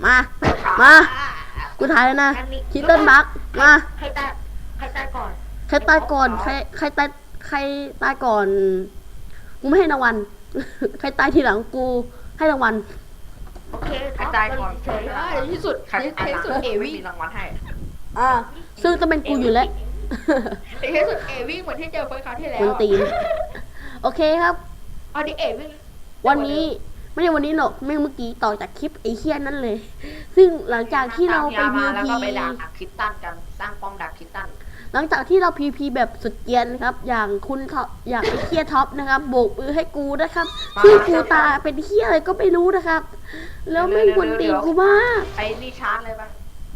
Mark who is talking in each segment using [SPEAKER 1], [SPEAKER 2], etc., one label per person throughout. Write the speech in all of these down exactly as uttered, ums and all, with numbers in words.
[SPEAKER 1] มามากูถ่ายแล้วนะคิตเติ้ลบักมา
[SPEAKER 2] ใครตายใครตายก่อน
[SPEAKER 1] ใครตายก่อนใครใครตายใครตายก่อนกูไม่ให้รางวัลใครตายทีหลังกูให้รางวัล
[SPEAKER 2] โอเค
[SPEAKER 3] ใครตายก่อน
[SPEAKER 2] เฉย
[SPEAKER 3] ในที่สุดใครตายสุดเอวี่มีรางวัลให้
[SPEAKER 1] อ่าซึ่งจะเป็นกูอยู่แล้ว
[SPEAKER 3] ในที่สุดเอวี่เหมือนที่เจอเฟิร์สคราวที่แล้ว
[SPEAKER 1] คนตีนโอเคครับ
[SPEAKER 3] เอาดิเอวี่
[SPEAKER 1] วันนี้ไม่ใช่วันนี้หรอกไม่เมื่อกี้ต่อจากคลิปไอ้เคียนนั่นเลยซึ่งหลังจากที่เราไปพีพี
[SPEAKER 3] ไปดักคิตตันกันสร้างป้อมดักคิตตัน
[SPEAKER 1] หลังจากที่เราพีพีแบบสุดเกียนครับอย่างคุณท็อปอย่างไอ้เคียท็อปนะครับโบกมือให้กูนะครับซึ่งกูตาเป็นเคียอะไรก็ไม่รู้นะครับแล้วไม่ควรตีกูมาก
[SPEAKER 3] ไอ้นี่ชาร์จเลยปะ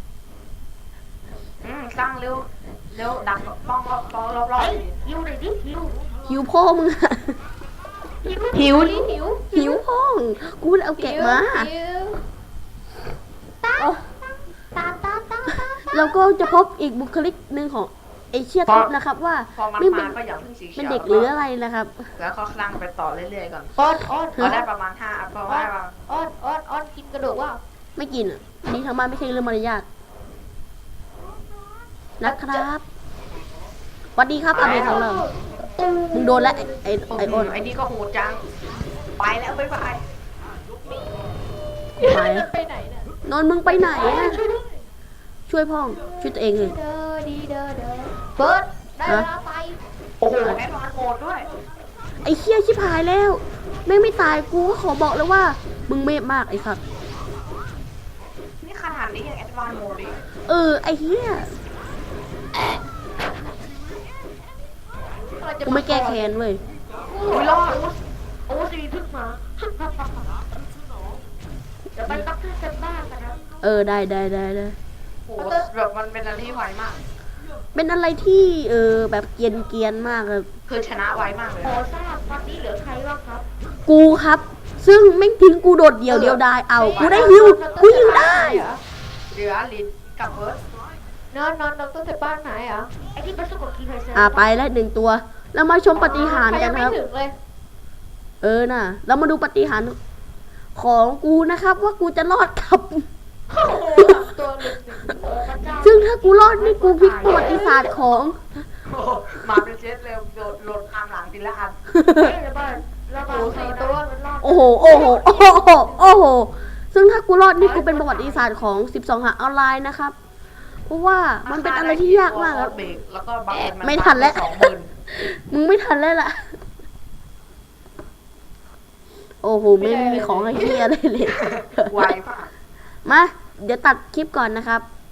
[SPEAKER 3] อืมสร้างเร็วเร็วดักป้องรอบรอบรอบ
[SPEAKER 2] หิวหน่อยดิหิว
[SPEAKER 1] หิวพ่อมึง
[SPEAKER 2] หิวดิหิว
[SPEAKER 1] หิวพ่อกูเอาแกะมา
[SPEAKER 2] ตาตาตา
[SPEAKER 1] แล้วก็จะพบอีกบุคลิกหนึ่งของไอเชียท็อปนะครับว่า
[SPEAKER 3] ไม่เป็น
[SPEAKER 1] เป็นเด็กหรืออะไรนะครับ
[SPEAKER 3] แล้วเขาสร้างไปต่อเรื่อยๆก่อน
[SPEAKER 2] อ้อนอ้อน
[SPEAKER 3] เขาได้ประมาณห้าอัพเพราะว่า
[SPEAKER 2] อ้อนอ้อนอ้อนกินกระดูกว่า
[SPEAKER 1] ไม่กินอ่ะนี่ทางบ้านไม่ใช่เรื่องมารยาทนะครับสวัสดีครับอาเบะของเรามึงโดนแล้วไอไอโอน
[SPEAKER 3] ไอนี่ก็โหดจังไปแล้วบ๊ายบาย
[SPEAKER 1] ไปไปไหนเนี่ยนนมึงไปไหนอ่ะช่วยพ่องช่วยตัวเองเลย
[SPEAKER 2] เด้อดีเด้อเด้อเบิร์ดได้เวลาไป
[SPEAKER 3] โอ้โหแอดวานซ์โหดด้วย
[SPEAKER 1] ไอเคี้ยชิบหายแล้วไม่ไม่ตายกูก็ขอบอกเลยว่ามึงเมฆมากไอ้สัตว์
[SPEAKER 3] นี่ขนาดนี้ยังแอดวานซ์โหดดิ
[SPEAKER 1] เออไอเฮี้ยกูไม่แก้แค้นเว้ย
[SPEAKER 3] อุ้ยรอด
[SPEAKER 2] โอ้สีพึ่งมาเดี๋ยวไปตักขึ้นกันบ้านกันนะ
[SPEAKER 1] เออได้ได้ได้ได้
[SPEAKER 3] โอ้แบบมันเป็นอะไรที่ไวมาก
[SPEAKER 1] เป็นอะไรที่เออแบบเกียนเกียนมากเลย
[SPEAKER 3] คือชนะไวมากเลย
[SPEAKER 2] ขอทราบตอนนี้เหลือใครบ้างครับ
[SPEAKER 1] กูครับซึ่งไม่ทิ้งกูโดดเดี่ยวเดียวได้เอากูได้ฮิวกูฮิวได้
[SPEAKER 3] เหลือลินกับเบิร์ด
[SPEAKER 2] นอนนอนนอนต้นเสร็จบ้านไหนอ่ะไอที่ประสบกับกีไพเซอร์
[SPEAKER 1] อ่าไปแล้วหนึ่งตัวแล้วมาชมปฏิหารกันครับเออน่ะเรามาดูปฏิหารของกูนะครับว่ากูจะรอดกับซึ่งถ้ากูรอดนี่กูพลิกประวัติศาสตร์ของ
[SPEAKER 3] มาเป็นเซตเร็วโดดหล่นตามหลังทีละอัน
[SPEAKER 1] โอ้โหโอ้โหโอ้โหโอ้โหซึ่งถ้ากูรอดนี่กูเป็นประวัติศาสตร์ของสิบสองหาออนไลน์นะครับเพราะว่ามันเป็นอะไรที่ยากมากครับไม่ทันแล้วมึงไม่ทันแล้วล่ะโอ้โหไม่มีของอะไรเหี้ยอะไรเลย
[SPEAKER 3] ไวป่ะ
[SPEAKER 1] มาเดี๋ยวตัดคลิปก่อนนะครับ